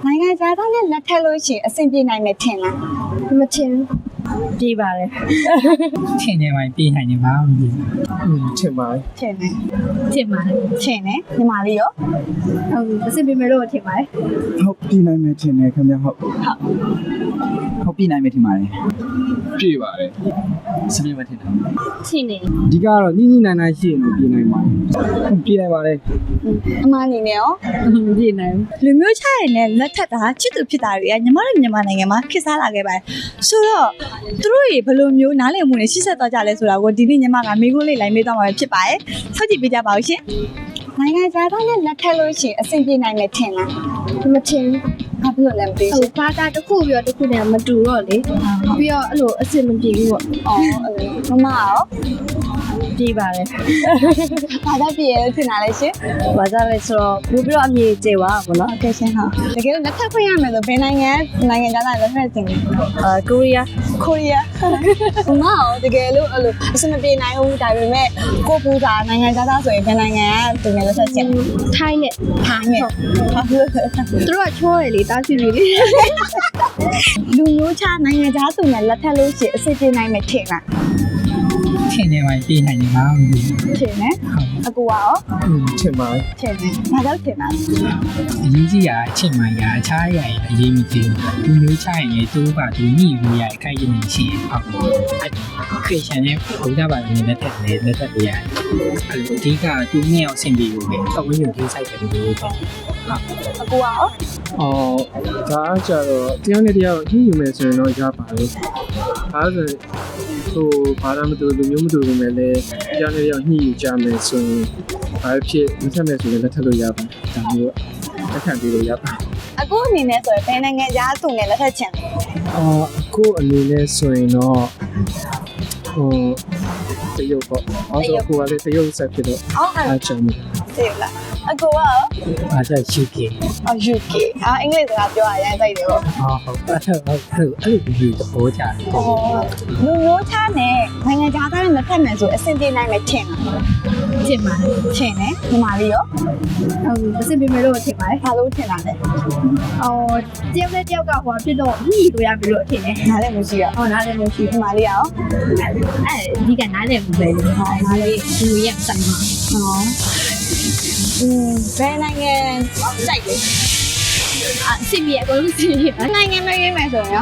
နိုင်ငံခြားသားနဲ့လက်ထပ်လို့ရှိရင်အဆင်ပြေနိုင်မယ်ထင်လားမထင်ပြေးပါတယ်ထင်နေမှပြေးနိုင်နေမှာမသိထင်ပါတယ်ထင်တယ်ထင်ပါတယ်ထင်တယ်ညီမလေးရောဟုတ်အစ်ပြေးမယ်လို့ထင်ပါတယ်ဟုတ်ပြည်နိုင်မယ်ထင်တယ်ခင်ဗျဟုတ်ဟုတ်ပြည်နိုင်မယ်ထင်ပါတယ်ပြေပါတယ်စပြည့်မထင်တယ်ထင်နေဒီကတော့ညညနိုင်နိုင်ရှိရင်ပြည်နိုင်ပါတယ်ပြည်နိုင်ပါတယ်အမအနေနဲ့ရောပြေးနိုင်လူမျိုးခြားရင်လည်းလက်ထပ်တာချစ်သူဖြစ်တာတွေကညီမတို့မြန်မာနိုင်ငံမှာခေတ်စားလာခဲ့ပါတယ်ဆိုတော့သူတို့တွေဘယ်လိုမျိုးနားလည်မှုနဲ့ရှင်းဆက်သွားကြလဲဆိုတာကိုဒီနေ့ညီမကမိခိုးလေးလိုက်မေးသွားမှာဖြစ်ပါတယ်ဆောက်ကြည့်ပေးကြပါဦးရှင်နိုင်ငံခြားသားနဲ့လက်ထပ်လို့ရှိရင်အဆင်ပြေနိုင်မယ်ထင်လားမထင်ဘာဖြစ်လို့လဲမသိဟိုရှင်ဘာသာတစ်ခုပြီးတော့တစ်ခုနဲ့မတူတော့လေပြီးတော့အဲ့လိုအစ်မပြေဘူးပေါ့အော်မမရောပြေးပါတယ်ဘာသာပြေလို့ထင်တာလဲရှင်ဘာသာလဲဆိုတော့ပို့ပြီးတော့အမြင်ကျပါဘောနော်โอเคရှင်ဟာတကယ်လို့လက်ထပ်ခွင့်ရမယ်ဆိုဘယ်နိုင်ငံခြားသားလက်ထပ်တင်လဲကိုရီးယားကိုရီးယားမမရောတကယ်လို့အဲ့လိုအဆင်မပြေနိုင်ဘူးဒါပေမဲ့ကိုပူစာနိုင်ငံခြားသားဆိုရင်ဘယ်နိုင်ငံကတင်လဲလက်ထပ်ချင်ထိုင်းနဲ့ထိုင်းနဲ့ဘာဖြစ်လို့လဲသူတို့ကချောတယ်လေတားစီပြီလေလူမျိုးခြားနိုင်ငံခြားသူနဲ့လက်ထပ်လို့ရှိရင်အဆင်ပြေနိုင်မယ်ထင်လားထင်နေမှပြေးနိုင်နေမှာမသိထင်တယ်အကူရောထင်ပါတယ်ထင်တယ်ဘာကြောင့်ထင်တာအရေးကြီးတာအချက်မှန်ရအခြားရရင်အရေးမကြီးဘူးလူမျိုးချရင်လည်းသူကသူညှိလို့ရအခိုက်အတန့်ရှိရင်ဟုတ်ခရစ်ယာန်ရဲ့ဘုရားဘာသာနဲ့လက်ထပ်တယ်လက်ထပ်ရအဲ့လိုအဓိကသူနဲ့အောင်ဆင်ပြေလို့ပဲပတ်ဝန်းကျင်ကြီးဆိုင်တယ်လို့ပြောတယ်အကူရောအော်ဒါအကြတော့တရားနဲ့တရားကိုညှိယူမယ်ဆိုရင်တော့ရပါတယ်ဒါဆိုဟိုဘာသာမတူလူမျိုးမတူဘူးမဲ့လေတရားနဲ့တရားညှိယူကြမယ်ဆိုရင်ဘာဖြစ်မဆက်မယ်ဆိုရင်လက်ထပ်လို့ရပါတယ်ဒါမျိုးလက်ခံပြီးလို့ရပါတယ်အကူအနေနဲ့ဆိုရင်ဘယ်နိုင်ငံခြားသူနဲ့လက်ထပ်ချင်လဲကိုအနေနဲ့ဆိုရင်တော့ဟိုတရုတ်ပေါ့အဲ့တော့ကိုကလည်းတရုတ်ဆက်ဖြစ်တော့အော်ဟာအားချင်တယ်သိလားအကူရောအားကြောင့်ရှိပြေအော် UK အင်္ဂလိပ်စကားပြောရရင်တိုက်တယ်ပေါ့ဟုတ်အဲ့လိုဒီသဘောကြတယ်လူမျိုးခြားနဲ့နိုင်ငံခြားသားနဲ့လက်ထပ်မယ်ဆိုအဆင်ပြေနိုင်မယ်ထင်လားထင်ပါတယ်ထင်တယ်ညီမလေးရောဟုတ်အစ်ပြေးမယ်လို့ထင်ပါတယ်ဘာလို့ထင်တာလဲအော်တယောက်နဲ့တယောက်ကဟိုဖြစ်တော့ညှိလို့ရပြီလို့ထင်တယ်နားလည်းမရှိရဟောနားလည်းမရှိညီမလေးရောအဲဒီကနားလည်းမပဲလို့ဟောနားလည်းသူရဆိုင်မှာဟောဘယ်နိုင်ငံစိုက်လဲအစ်ပြေအကုန်လုံးစီးရနိုင်ငံမရွေးမယ်ဆိုရင်ရော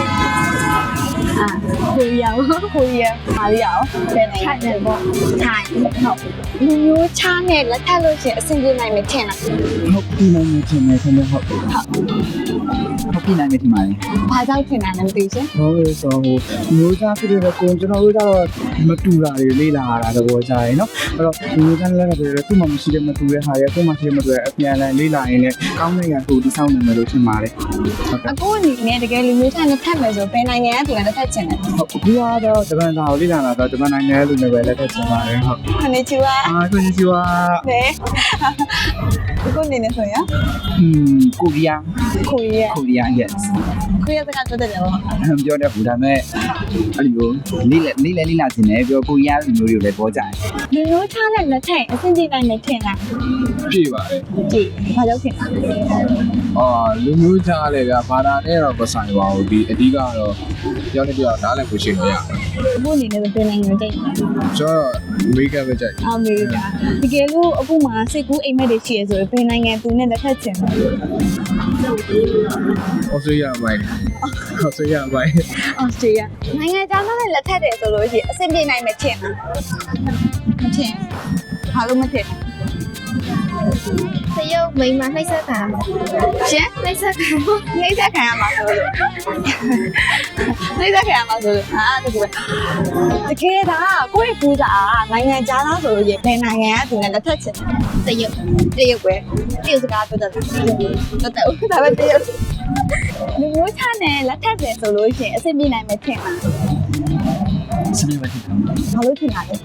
ကိုရီးယားကိုကိုရီးယားမာလီယာရောဘယ်နိုင်ငံထိုင်တယ်ပေါ့ထိုင်းဟုတ်လူမျိုးခြားနဲ့လက်ထပ်လို့ရှိရင်အဆင်ပြေနိုင်မယ်ထင်လားဟုတ်ပြည်နိုင်မယ်ထင်တယ်ခင်ဗျဟုတ်ဟုတ်ပြည်နိုင်မယ်ထင်ပါတယ်ဘာကြောင့်ထင်တာလဲမသိရှင်ဟုတ်ဆိုဟိုမျိုးသားဖြစ်တဲ့ကိုကျွန်တော်တို့ကတော့မတူတာတွေလေးလာတာသဘောကြရယ်နော်အဲ့တော့ဒီမျိုးသားလည်းဆိုတော့သူ့မှာမရှိတဲ့မတူတဲ့ဟာရဲ့ကို့မှာရှိတဲ့မတူတဲ့အပြန်အလှန်လေးလာရင်လည်းကောင်းတဲ့ရန်ကိုဒီဆောင်နိုင်မယ်လို့ထင်ပါတယ်ဟုတ်ကဲ့အကိုအနေနဲ့တကယ်လူမျိုးခြားနဲ့ထပ်မယ်ဆိုဘယ်နိုင်ငံကသူကလက်ထပ်ချင်လဲဟုတ်ဒီကတော့ဂျပန်သားကိုလေးလာတာတော့ဂျပန်နိုင်ငံလူမျိုးပဲလက်ထပ်ချင်ပါတယ်ဟုတ်ခဏချူပါကိုကြီးကနဲကိုအနေနဲ့ဆိုရင်ကိုရီးယားကိုရီးယားကိုရီးယား yes ကိုရီးယားစကားပြောတတ်တယ်ပေါ့ပြောတဲ့ဘူးဒါပေမဲ့အဲ့လိုလေးလာတင်တယ်ပြောကိုရီးယားလူမျိုးတွေကိုလည်းပေါ်ကြတယ်လူမျိုးခြားနဲ့လက်ထပ်အဆင်ပြေနိုင်မယ်ထင်လားပြေပါတယ်ကြည့်ဘာကြောင့်ထင်တာလဲလူမျိုးကြားလည်းဗျာဘာသာနဲ့တော့မဆိုင်ပါဘူးဒီအဓိကတော့ကြောက်နေပြောနားလည်းကိုရှင်းလို့ရတယ်အခုအနေနဲ့ဘယ်နိုင်ငံကြိုက်လဲကျွန်တော်အမေရိကန်ပဲကြိုက်အမေရိကန်တကယ်လို့အခုမှစိတ်ကူးအိမ်မက်တွေရှိရဆိုရင်ဘယ်နိုင်ငံသူနဲ့လက်ထပ်ချင်လဲဩစတြေးလျမိုင်းဩစတြေးလျမိုင်းအော်စတြေးလျနိုင်ငံခြားသားနဲ့လက်ထပ်တယ်ဆိုလို့ရှိရင်အဆင်ပြေနိုင်မယ်ထင်လားမထင်ဘာလို့မထင်တရုတ်မိန်းမနှိမ့်ဆက်တာရှင်နှိမ့်ဆက်တာနှိမ့်ဆက်ခံရမှာဆိုလို့နှိမ့်ဆက်ခံရမှာဆိုလို့တကယ်ပဲတကယ်ဒါကိုယ့်ရဲ့ပူစာနိုင်ငံခြားသားဆိုလို့ရှိရင်ဘယ်နိုင်ငံကသူနဲ့လက်ထပ်ချင်လဲတရုတ်တရုတ်ပဲတရုတ်စကားပြောတတ်တယ်တော်တယ်ဒါပဲတရုတ်လူမျိုးချနဲ့လက်ထပ်တယ်ဆိုလို့ရှိရင်အဆင်ပြေနိုင်မယ်ထင်လားစပြည့်မထင်ဘူးဘာလို့ထင်တာလဲ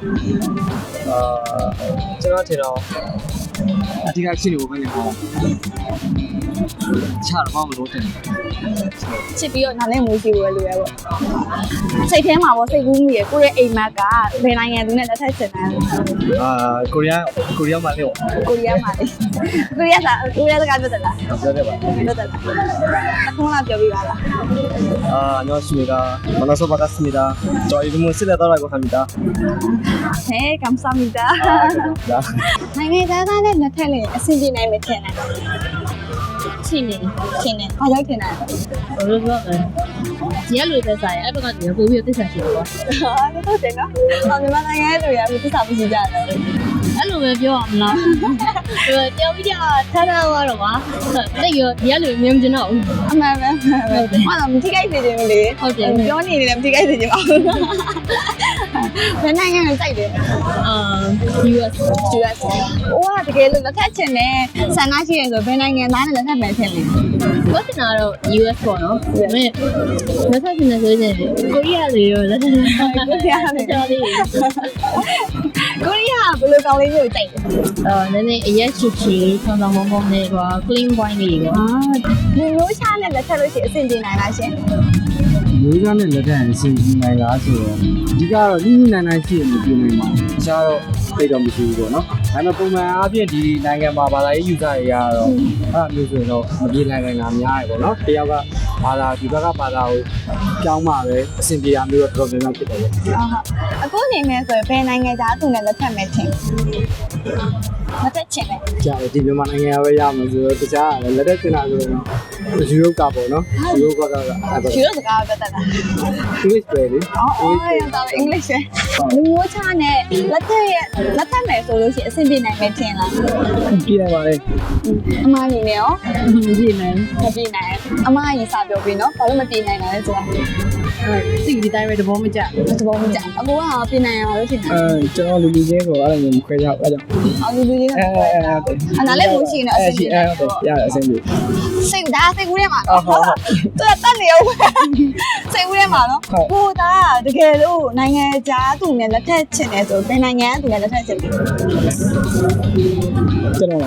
ကျွန်တော်ထင်တော့အဓိကရှိလို့ပဲနေပေါ့ချတော့မလို့တင်ချစ်ပြီးတော့နားလည်မှုရှိဖို့လိုရပေါ့စိတ်ထဲမှာပေါ့စိတ်ကူးမှုရကိုယ့်ရဲ့အိမ်မက်ကဘယ်နိုင်ငံသူနဲ့လက်ထပ်ချင်တယ်ကိုရီးယားမှာလေကိုရီးယားမှာလေကိုရီးယားစကားပြောတယ်လားပြောတယ်ပါပြောတယ်လားအခုမှပြောပြပါလား 안녕하십니까 만나서 반갑습니다 저 이름은 슬레더라고 합니다 ဟဲ့ကမ်ဆာမီတာ 나 နိုင်ငံသားနဲ့လက်ထပ်လို့အဆင်ပြေနိုင်မယ်ထင်တယ်ချင်းနေထင်တယ်ဘာလို့ထင်တယ်ဘယ်လိုပြောလဲဒီကလူသက်ဆိုင်အဲ့ဘက်ကဒီပို့ပြီးသစ္စာရှိတယ်ကွာဟာတော့တယ်နော်မြန်မာနိုင်ငံရဲ့လူရအခုသစ္စာမရှိကြတယ်အဲ့လိုပဲပြောအောင်မလားတယောက်ပြီးတော့ထားထားသွားတော့ပါတိတ်ရောဒီကလူမြင်မကျင်တော့ဘူးအမှန်ပဲဟာတော့မထိခိုက်စေချင်ဘူးလေပြောနေတယ်မထိခိုက်စေချင်ပါဘူးဘယ်နိုင်ငံကိုစိုက်တယ် US ဟိုကတကယ်လို့လက်ထပ်ချင်တယ်ဆန္ဒရှိရင်ဆိုဘယ်နိုင်ငံသားနဲ့လက်ထပ်မယ်ထင်လဲဝတ်နာတော့ US ပေါ့နော်ဒါပေမဲ့လက်ထပ်နေဆိုရင်ကိုရီးယားတွေရောလက်ထပ်နေကိုရီးယားနဲ့တော်လေးကိုရီးယားဘယ်လိုကောင်းလေးမျိုးစိုက်လဲနည်းနည်းအရက်ချစ်ချီဆောင်းဆောင်းမုံမုံနဲ့ကွာ clean wine တွေကွာဒီမျိုးချားနဲ့လက်ထပ်လို့ရှိရင်အဆင်ပြေနိုင်လားရှင်မျိုးသားနဲ့လက်ထပ်အစီအစဉ်နိုင်လားဆိုတော့အဓိကတော့ညှိနှိုင်းရှိရင်မပြနိုင်ပါဘူး။တခြားတော့သိတော့မရှိဘူးပေါ့နော်။ဒါပေမဲ့ပုံမှန်အားဖြင့်ဒီနိုင်ငံမှာဘာသာရေးယူဆတွေရတော့အဲ့မျိုးဆိုရင်တော့မပြေနိုင်တာများရပေါ့နော်။တယောက်ကဘာသာဒီဘက်ကဘာသာကိုကြောင်းမှပဲအဆင်ပြေရမျိုးတော့တော်တော်များများဖြစ်တယ်ပေါ့ဟုတ်အခုနေမယ်ဆိုရင်ဘယ်နိုင်ငံသားသူနဲ့လက်ထပ်မယ်ထင်လက်ထပ်ချင်တယ်။ကြာတယ်ဒီမြန်မာနိုင်ငံကပဲရမှာဆိုတော့တခြားကလည်းလက်ထပ်တင်တာဆိုတော့ယူရိုကပေါ့နော်။ယူရိုကအဲ့ဒါယူရိုစကားပြောတတ်တာ English ပဲလေအော်ရတာအင်္ဂလိပ်ပဲလူမျိုးချားနဲ့လက်ထပ်မယ်ဆိုလို့ရှိရင်အဆင်ပြေနိုင်မယ်ထင်လား။ပြေးနိုင်ပါလေအမအနေနဲ့ရောမကြည့်နိုင်မပြေနိုင်အမအရင်စပြောပြီးနော်ဘာလို့မပြေနိုင်တာလဲဆိုတာသိဒီတိုင်းပဲတဘောမကြသဘောမကျအကိုကပြေနိုင်ရမှာလို့ထင်တာကျွန်တော်လူလူချင်းဆိုအဲ့ဒါမျိုးမခွဲကြဘူးအဲ့ကြောင့်အော်လူနဲ့အနာလည်းမရှိနေတော့အဆင်ပြေတယ်ရတယ်အဆင်ပြေစိတ်ဒါစိတ်ကူးထဲမှာသူကတတ်နေအောင်စိတ်ကူးထဲမှာနော်ဟိုဒါတကယ်လို့နိုင်ငံခြားသူနဲ့လက်ထပ်ချင်တယ်ဆိုဘယ်နိုင်ငံကသူနဲ့လက်ထပ်ချင်လဲကျွန်တော်ဟုတ်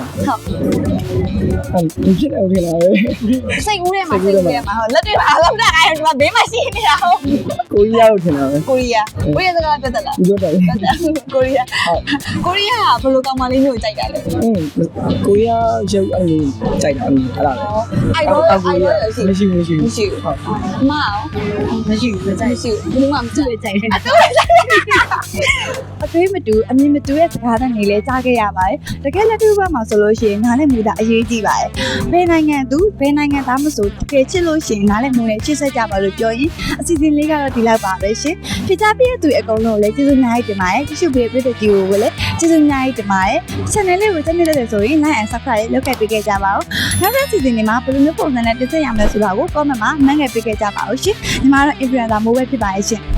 ဒီဖြစ်နေဦးထင်တာပဲစိတ်ကူးထဲမှာစိတ်ကူးထဲမှာဟုတ်လက်တွေပါလောက်တာအဲ့ဒါဘေးမှာရှိနေတာဟုတ်ကိုရီးယားကိုထင်တာပဲကိုရီးယားစကားတက်တက်လားပြောတယ်ကိုရီးယားကိုရီးယားကဘယ်လိုကောင်မလေးမျိုးကြိုက်တာလဲကိုရီးယားရုပ်အဲ့လိုကြိုက်တာအဲ့ဒါပဲအိုင်ရောရှိမရှိဘူးမရှိဘူးမရှိဘူးအမအောင်မရှိဘူးကြိုက်မရှိဘူးဘာမှမကြိုက်ကြိုက်တယ်အသွေးမတူအမြင်မတူရဲ့စကားသံတွေလည်းကြားခဲ့ရပါတယ်တကယ်လက်တွေ့ဘက်မှာဆိုလို့ရှိရင်နားလည်မှုတာအရေးကြီးပါတယ်ဘယ်နိုင်ငံသူဘယ်နိုင်ငံသားမဆိုတကယ်ချစ်လို့ရှိရင်နားလည်မှုနဲ့ချစ်ဆက်ကြပါလို့ပြောရင်အစီအစဉ်လေးကတော့ဒီလောက်ပါပဲရှင်ဖြစ်ကြပြည့်သူအကုန်လုံးလည်းကျေးဇူးများကြီးတင်ပါတယ်ကြည့်ရှုပေးတဲ့ပြည်သူကိုလည်းကျေးဇူးများကြီးတင်ပါတယ် channel လေးကိုကြည့်နေတယ်ဆိုရင် like and subscribe လုပ်ခဲ့ပေးခဲ့ကြပါဦးနောက်တဲ့စီစဉ်တွေမှာဘယ်လိုမျိုးပုံစံနဲ့တင်ဆက်ရမလဲဆိုတာကို comment မှာမှတ်ခဲ့ပေးခဲ့ကြပါဦးရှင်ညီမတို့ influencer မိုးပဲဖြစ်ပါရဲ့ရှင်